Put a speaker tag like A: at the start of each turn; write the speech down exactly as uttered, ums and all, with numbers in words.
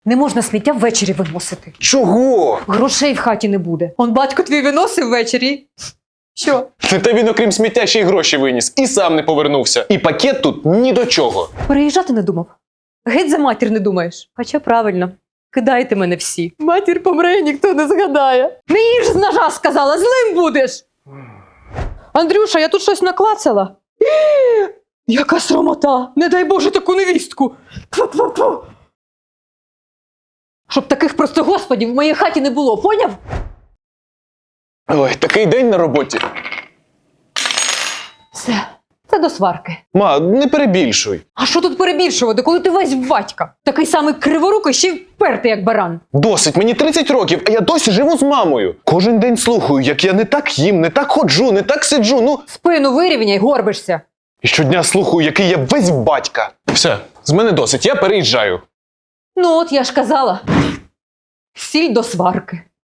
A: Не можна сміття ввечері виносити.
B: Чого?
A: Грошей в хаті не буде. Он батько твій виносив ввечері. Що?
B: Та він, окрім сміття, ще й гроші виніс. І сам не повернувся. І пакет тут ні до чого.
A: Переїжджати не думав? Геть за матір не думаєш? Хоча правильно. Кидайте мене всі. Матір помре, і ніхто не згадає. Не їж з ножа, сказала, злим будеш. Андрюша, я тут щось наклацала. Е, Яка срамота! Не дай Боже таку невістку! Тьфу-тьфу-тьфу. Щоб таких просто господів в моїй хаті не було, поняв?
B: Ой, такий день на роботі.
A: Все, це до сварки.
B: Ма, не перебільшуй.
A: А що тут перебільшувати, коли ти весь в батька? Такий самий криворукий, ще й впертий, як баран.
B: Досить, мені тридцять років, а я досі живу з мамою. Кожен день слухаю, як я не так їм, не так ходжу, не так сиджу, ну...
A: Спину вирівняй, горбишся.
B: І щодня слухаю, який я весь батька. Все, з мене досить, я переїжджаю.
A: Ну от я ж казала. Сіль до сварки.